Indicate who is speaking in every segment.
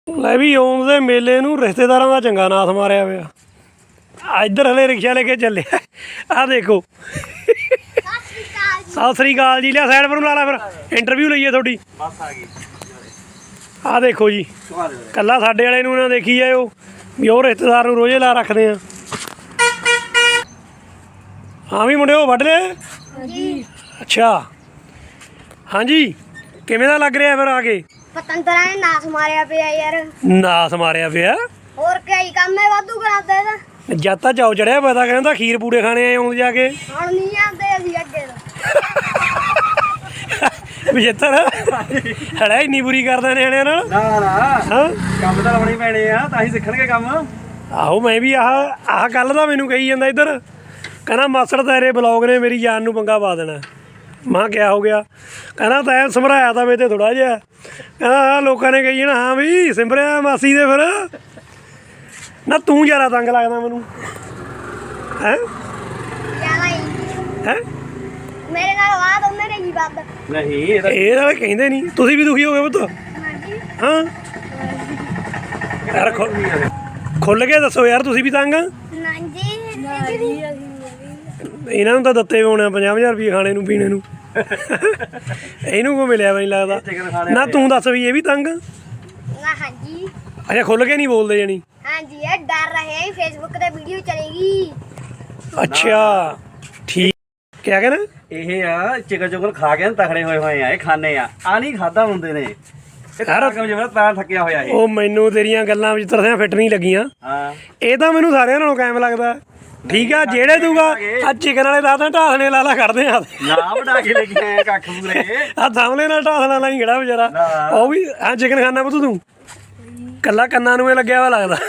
Speaker 1: ਲੈ ਵੀ ਆਉਂਦੇ ਮੇਲੇ ਨੂੰ ਰਿਸ਼ਤੇਦਾਰਾਂ ਦਾ ਚੰਗਾ ਨਾਥ ਮਾਰਿਆ ਪਿਆ। ਇੱਧਰ ਹਲੇ ਰਿਕਸ਼ਾ ਲੈ ਕੇ ਚੱਲੇ ਆਹ ਦੇਖੋ। ਸਤਿ ਸ੍ਰੀ ਅਕਾਲ ਜੀ। ਲਿਆ ਸਾਈਡ ਪਰ ਨੂੰ ਲਾ ਲਾ ਫਿਰ ਇੰਟਰਵਿਊ ਲਈਏ ਤੁਹਾਡੀ।
Speaker 2: ਬਸ ਆ ਗਈ।
Speaker 1: ਆਹ ਦੇਖੋ ਜੀ ਕੱਲਾ ਸਾਡੇ ਵਾਲੇ ਨੂੰ ਨਾ ਦੇਖੀ ਜਾਇਓ ਵੀ ਉਹ ਰਿਸ਼ਤੇਦਾਰ ਨੂੰ ਰੋਜ਼ੇ ਲਾ ਰੱਖਦੇ ਆ। ਹਾਂ ਵੀ ਮੁੰਡਿਓ ਵੱਢ ਲਿਆ। ਅੱਛਾ ਹਾਂਜੀ ਕਿਵੇਂ ਦਾ ਲੱਗ ਰਿਹਾ ਫਿਰ ਆ ਕੇ?
Speaker 3: ਪਤੰਦਰਾਂ ਨੇ ਨਾਸ ਮਾਰਿਆ ਪਿਆ ਯਾਰ।
Speaker 1: ਨਾਸ ਮਾਰਿਆ ਪਿਆ।
Speaker 3: ਹੋਰ ਕਈ ਕੰਮ ਹੈ ਵਾਧੂ ਕਰਾਉਂਦੇ ਇਹਦਾ।
Speaker 1: ਜਦ ਤਾਂ ਚਾਉ ਚੜਿਆ ਪਤਾ ਕਹਿੰਦਾ ਖੀਰ ਪੂੜੇ ਖਾਣੇ ਆਏ ਆਉਂਦੇ ਜਾ ਕੇ।
Speaker 3: ਹੁਣ ਨਹੀਂ ਆਉਂਦੇ ਅਸੀਂ ਅੱਗੇ ਤੋਂ।
Speaker 1: ਵਿਜੇਤਰ ਹੜਾ ਇੰਨੀ ਬੁਰੀ ਕਰਦਾ ਨਿਆਣਿਆਂ ਨਾਲ।
Speaker 2: ਨਾ ਨਾ
Speaker 1: ਹਾਂ
Speaker 2: ਕੰਮ ਤਾਂ ਲਾਉਣੇ ਪੈਣੇ ਆ ਤਾਂ ਹੀ ਸਿੱਖਣਗੇ ਕੰਮ।
Speaker 1: ਆਹੋ ਮੈਂ ਵੀ ਆਹ ਕੱਲ ਦਾ ਮੈਨੂੰ ਕਹੀ ਜਾਂਦਾ ਇੱਧਰ ਕਹਿੰਦਾ ਮਾਸੜ ਤੇਰੇ ਬਲੌਗ ਨੇ ਮੇਰੀ ਜਾਨ ਨੂੰ ਪੰਗਾ ਪਾ ਦੇਣਾ। ਮਾਂ ਕਿਆ ਹੋ ਗਿਆ? ਕਹਿੰਦਾ ਤੈਂ ਸਮਰਾਇਆ ਤਾਂ ਮੇਰੇ ਤੇ ਥੋੜਾ ਜਿਹਾ। ਕਹਿੰਦਾ ਲੋਕਾਂ ਨੇ ਕਹੀ ਜਾਣਾ ਹਾਂ ਵੀ ਸਿਮਰਿਆ ਮਾਸੀ ਦੇ ਫਿਰ ਨਾ ਤੂੰ ਜ਼ਿਆਦਾ ਤੰਗ ਲੱਗਦਾ ਮੈਨੂੰ ਹੈ
Speaker 3: ਜ਼ਿਆਦਾ ਹੀ
Speaker 1: ਹੈ।
Speaker 3: ਮੇਰੇ ਨਾਲ ਬਾਤ ਉਹਨੇ ਨੇ ਕੀ ਬਾਤ।
Speaker 2: ਨਹੀਂ
Speaker 1: ਇਹ ਤਾਂ ਕਹਿੰਦੇ ਨਹੀਂ। ਤੁਸੀਂ ਵੀ ਦੁਖੀ ਹੋ ਗਏ ਪੁੱਤ?
Speaker 3: ਹਾਂਜੀ
Speaker 1: ਹਾਂ ਯਾਰ ਖੁੱਲ ਕੇ ਦੱਸੋ ਯਾਰ ਤੁਸੀਂ ਵੀ ਤੰਗ ਆ?
Speaker 3: ਹਾਂਜੀ
Speaker 1: ਇਹਨਾਂ ਨੂੰ ਤਾਂ ਦਿੱਤੇ ਹੋਣੇ 50,000 ਰੁਪਏ ਖਾਣੇ ਨੂੰ ਪੀਣੇ ਨੂੰ। ਇਹਨੂੰ ਕੋ ਮਿਲਿਆ ਵਾ ਨਹੀਂ ਲੱਗਦਾ ਨਾ। ਤੂੰ ਦੱਸ ਵੀ ਇਹ ਵੀ ਤੰਗ?
Speaker 3: ਹਾਂਜੀ
Speaker 1: ਅੱਛਾ ਖੁੱਲ ਕੇ ਨਹੀਂ ਬੋਲਦੇ ਜਾਣੀ।
Speaker 3: ਹਾਂਜੀ ਇਹ ਡਰ ਰਹੇ ਫੇਸਬੁੱਕ ਤੇ ਵੀਡੀਓ ਚਲੇਗੀ।
Speaker 1: ਅੱਛਾ ਠੀਕ। ਕਿਆ ਕਹਿਣਾ?
Speaker 2: ਇਹ ਆ ਚਿਕਨ ਚੁਕਨ ਖਾ ਕੇ ਤਖੜੇ ਹੋਏ ਆ। ਇਹ ਖਾਣੇ ਆ ਨਹੀਂ ਖਾਦਾ ਹੁੰਦੇ ਨੇ।
Speaker 1: ਯਾਰ
Speaker 2: ਜਿਵੇਂ ਤਾਂ ਥੱਕਿਆ ਹੋਇਆ ਇਹ।
Speaker 1: ਉਹ ਮੈਨੂੰ ਤੇਰੀਆਂ ਗੱਲਾਂ ਵਿੱਚ ਤਰਸਿਆਂ ਫਿੱਟ ਨਹੀਂ ਲੱਗੀਆਂ।
Speaker 2: ਹਾਂ
Speaker 1: ਇਹ ਤਾਂ ਮੈਨੂੰ ਸਾਰਿਆਂ ਨਾਲੋਂ ਕਾਇਮ ਲੱਗਦਾ। ਠੀਕ ਆ ਜਿਹੜੇ ਦੂਗਾ ਆ ਚਿਕਨ ਵਾਲੇ ਦਾਦਾ ਢਾਸਣੇ ਲਾਲਾ ਕਰਦੇ ਆ।
Speaker 2: ਨਾ ਬਣਾ ਕੇ ਲੈ ਕੇ ਆਏ ਕੱਖ ਪੂਰੇ।
Speaker 1: ਆ ਸਾਹਮਣੇ ਨਾਲ ਢਾਸਣਾ ਲਾਈ ਖੜਾ ਵਿਚਾਰਾ। ਉਹ ਵੀ ਆ ਚਿਕਨ ਖਾਣਾ ਪੁੱਤ ਤੂੰ? ਕੱਲਾ ਕੰਨਾਂ ਨੂੰ ਇਹ ਲੱਗਿਆ ਵਾ ਲੱਗਦਾ।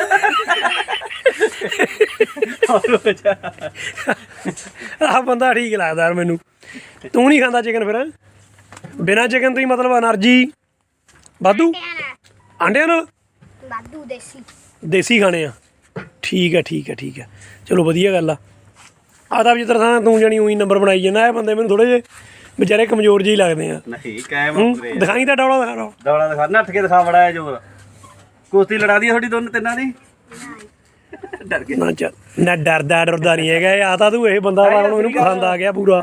Speaker 1: ਆਹ ਬੰਦਾ ਠੀਕ ਲੱਗਦਾ ਯਾਰ ਮੈਨੂੰ। ਤੂੰ ਨਹੀਂ ਖਾਂਦਾ ਚਿਕਨ ਫਿਰ? ਬਿਨਾਂ ਚਿਕਨ ਤੋਂ ਹੀ ਮਤਲਬ ਐਨਰਜੀ ਵਾਧੂ ਆਂਡਿਆਂ ਨਾਲ
Speaker 3: ਵਾਧੂ
Speaker 1: ਦੇਸੀ ਖਾਣੇ ਆ। ਠੀਕ ਹੈ ਠੀਕ ਹੈ ਠੀਕ ਹੈ ਚਲੋ ਵਧੀਆ ਗੱਲ ਆ। ਆਹ ਤਾਂ ਜਿਸ ਤਰ੍ਹਾਂ ਤੂੰ ਜਾਣੀ ਉਹੀ ਨੰਬਰ ਬਣਾਈ ਜਾਂਦਾ। ਇਹ ਬੰਦੇ ਮੈਨੂੰ ਥੋੜ੍ਹੇ ਜਿਹੇ ਵਿਚਾਰੇ ਕਮਜ਼ੋਰ ਜਿਹੇ ਲੱਗਦੇ ਆ।
Speaker 2: ਨਹੀਂ ਕਾਇਮ
Speaker 1: ਦਿਖਾਈ ਤਾਂ ਡੌਲਾ ਦਿਖਾ।
Speaker 2: ਦੌੜਾ ਦਿਖਾ ਨੱਠ ਕੇ ਦਿਖਾ ਬੜਾ ਜੋਰ। ਕੁਸ਼ਤੀ ਲੜਾ ਦੀ ਤੁਹਾਡੀ ਦੋਨ ਤਿੰਨਾਂ ਦੀ। ਡਰ ਕੇ
Speaker 1: ਨਾ ਚੱਲ ਨਾ ਡਰਦਾ ਡਰਦਾ ਨਹੀਂ ਹੈਗਾ। ਆ ਤਾਂ ਤੂੰ ਇਹ ਬੰਦਾ ਵਾ ਹੁਣ ਇਹਨੂੰ ਪਸੰਦ ਆ ਗਿਆ ਪੂਰਾ।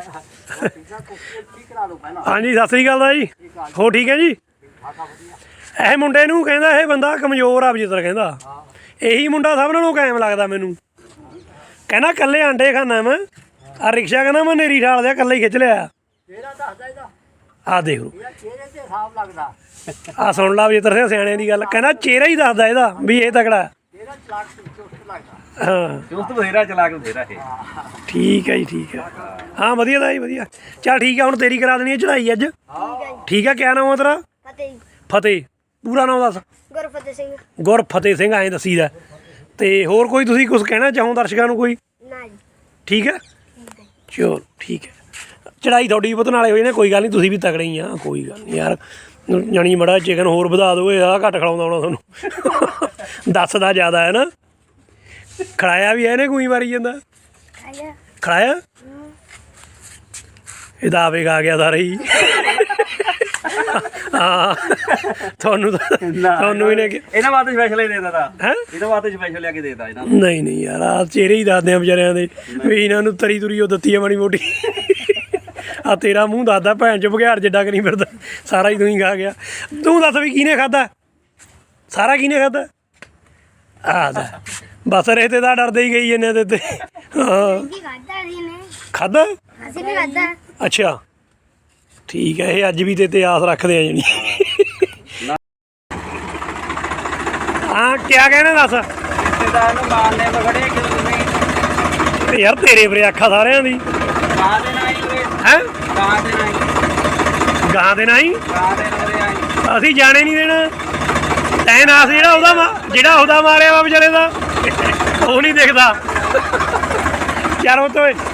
Speaker 1: ਹਾਂਜੀ ਸਤਿ ਸ੍ਰੀ ਅਕਾਲ ਦਾ ਜੀ। ਹੋ ਠੀਕ ਹੈ ਜੀ? ਇਹ ਮੁੰਡੇ ਨੂੰ ਕਹਿੰਦਾ ਇਹ ਬੰਦਾ ਕਮਜ਼ੋਰ ਆ ਵਿਜੇਤਰ ਕਹਿੰਦਾ। ਇਹੀ ਮੁੰਡਾ ਸਭ ਨਾਲੋਂ ਕਾਇਮ ਲੱਗਦਾ ਮੈਨੂੰ। ਕਹਿੰਦਾ ਕੱਲੇ ਆਂਡੇ ਖਾਣਾ ਮੈਂ। ਆ ਰਿਕਸ਼ਾ ਕਹਿੰਦਾ ਮੈਂ ਨੇਰੀ ਠਾਲ ਦਿਆ ਕੱਲੇ ਹੀ ਖਿੱਚ ਲਿਆ। ਆਹ ਦੇਖ ਲਓ ਆਹ ਸੁਣ ਲਾ ਵਿਜੇਤਰ ਸਿੰਘ ਸਿਆਣਿਆਂ ਦੀ ਗੱਲ। ਕਹਿੰਦਾ ਚਿਹਰਾ ਹੀ ਦੱਸਦਾ ਇਹਦਾ ਵੀ ਇਹ ਤਕੜਾ। ਹਾਂ
Speaker 2: ਚੁਸਤ ਬਥੇਰਾ ਚਲਾ ਕੇ ਬਥੇਰਾ ਇਹ।
Speaker 1: ਠੀਕ ਹੈ ਜੀ ਠੀਕ ਹੈ। ਹਾਂ ਵਧੀਆ ਦਾ ਜੀ ਵਧੀਆ। ਚੱਲ ਠੀਕ ਹੈ ਹੁਣ ਤੇਰੀ ਕਰਾ ਦੇਣੀ ਹੈ ਚੜ੍ਹਾਈ ਅੱਜ। ਠੀਕ ਹੈ ਕਿਆ ਨਾਮ ਆ ਤੇਰਾ?
Speaker 3: ਫਤਿਹ
Speaker 1: ਫਤਿਹ। ਪੂਰਾ ਨਾਮ ਦੱਸ।
Speaker 3: ਗੁਰਫਤਿਹ ਸਿੰਘ।
Speaker 1: ਗੁਰਫਤਿਹ ਸਿੰਘ ਐਂ ਦੱਸੀਦਾ। ਤੇ ਹੋਰ ਕੋਈ ਤੁਸੀਂ ਕੁਝ ਕਹਿਣਾ ਚਾਹੋ ਦਰਸ਼ਕਾਂ ਨੂੰ ਕੋਈ?
Speaker 3: ਨਾ ਜੀ
Speaker 1: ਠੀਕ ਹੈ ਚਲੋ ਠੀਕ ਹੈ। ਚੜ੍ਹਾਈ ਤੁਹਾਡੀ ਪੁੱਤ ਨਾਲੇ ਹੋਈ ਨੇ ਕੋਈ ਗੱਲ ਨਹੀਂ। ਤੁਸੀਂ ਵੀ ਤਕੜੇ ਹੀ ਆ ਕੋਈ ਗੱਲ ਨਹੀਂ ਯਾਰ। ਜਾਣੀ ਮੜਾ ਚਿਕਨ ਹੋਰ ਵਧਾ ਦਿਓ। ਇਹ ਆਹ ਘੱਟ ਖਿਲਾਉਂਦਾ ਹੋਣਾ ਤੁਹਾਨੂੰ। ਦੱਸਦਾ ਜ਼ਿਆਦਾ ਹੈ ਨਾ। ਖੜਾਇਆ ਵੀ ਇਹਨੇ ਕੋਈ ਮਾਰੀ ਜਾਂਦਾ। ਖੜਾਇਆ ਇਹਦਾ ਆਵੇਗ ਆ ਗਿਆ ਸਾਰਾ ਹੀ। ਹਾਂ ਤੁਹਾਨੂੰ ਤੁਹਾਨੂੰ ਇਹਨੇ
Speaker 2: ਇਹਨਾਂ ਵਾਸਤੇ ਸਪੈਸ਼ਲ ਹੀ ਦੇ ਦਿੱਤਾ।
Speaker 1: ਹੈ
Speaker 2: ਇਹਨਾਂ ਵਾਸਤੇ ਸਪੈਸ਼ਲ ਲਿਆ ਕੇ ਦੇ ਦਿੱਤਾ ਇਹਨਾਂ ਨੂੰ।
Speaker 1: ਨਹੀਂ ਨਹੀਂ ਯਾਰ ਆਹ ਚਿਹਰੇ ਹੀ ਦੱਸਦੇ ਆ ਵਿਚਾਰਿਆਂ ਦੇ ਵੀ ਇਹਨਾਂ ਨੂੰ ਤਰੀ ਤੁਰੀ ਉਹ ਦਿੱਤੀ ਆ ਮਾੜੀ ਮੋਟੀ। ਆ ਤੇਰਾ ਮੂੰਹ ਦੱਸਦਾ ਭੈਣ ਚ ਬਘਿਆੜ ਜਿੱਡਾ ਕਰੀ ਫਿਰਦਾ। ਸਾਰਾ ਹੀ ਤੂੰ ਹੀ ਖਾ ਗਿਆ। ਤੂੰ ਦੱਸ ਵੀ ਕਿਹਨੇ ਖਾਧਾ? ਸਾਰਾ ਕਿਹਨੇ ਖਾਧਾ? ਆਹ ਦਾ ਬਸ ਰੇਤੇ ਦਾ ਡਰਦੇ ਹੀ ਗਈ ਇਹਨੇ ਤੇ। ਹਾਂ ਖਾਧਾ?
Speaker 3: ਅਸੀਂ ਵੀ ਖਾਧਾ।
Speaker 1: ਅੱਛਾ ਠੀਕ ਹੈ। ਇਹ ਅੱਜ ਵੀ ਤੇ ਆਸ ਰੱਖਦੇ ਆ ਜਾਣੀ। ਹਾਂ ਕਿਆ ਕਹਿਣਾ ਦੱਸ?
Speaker 2: ਰਿਸ਼ਤੇਦਾਰ ਨੂੰ ਮਾਰਨੇ ਬਗੜੇ ਕਿਉਂ ਤੁਸੀਂ?
Speaker 1: ਯਾਰ ਤੇਰੇ ਪਰੇ ਆਖਾ ਸਾਰਿਆਂ ਦੀ।
Speaker 2: ਗਾਂ ਦੇ ਨਾਲ ਹੀ
Speaker 1: ਹੈ
Speaker 2: ਗਾਂ ਦੇ ਨਾਲ ਹੀ
Speaker 1: ਗਾਂ ਦੇ ਨਾਲ ਹੀ
Speaker 2: ਗਾਂ ਦੇ ਨਾਲ ਆਈ।
Speaker 1: ਅਸੀਂ ਜਾਣੇ ਨਹੀਂ ਦੇਣਾ। ਤੈਂ ਨਾਸ ਜਿਹੜਾ ਉਹਦਾ ਮਾਰਿਆ ਵਾ ਵਿਚਾਰੇ ਦਾ ਉਹ ਨਹੀਂ ਦਿਖਦਾ। ਚੱਲ ਉਹ ਤੋਂ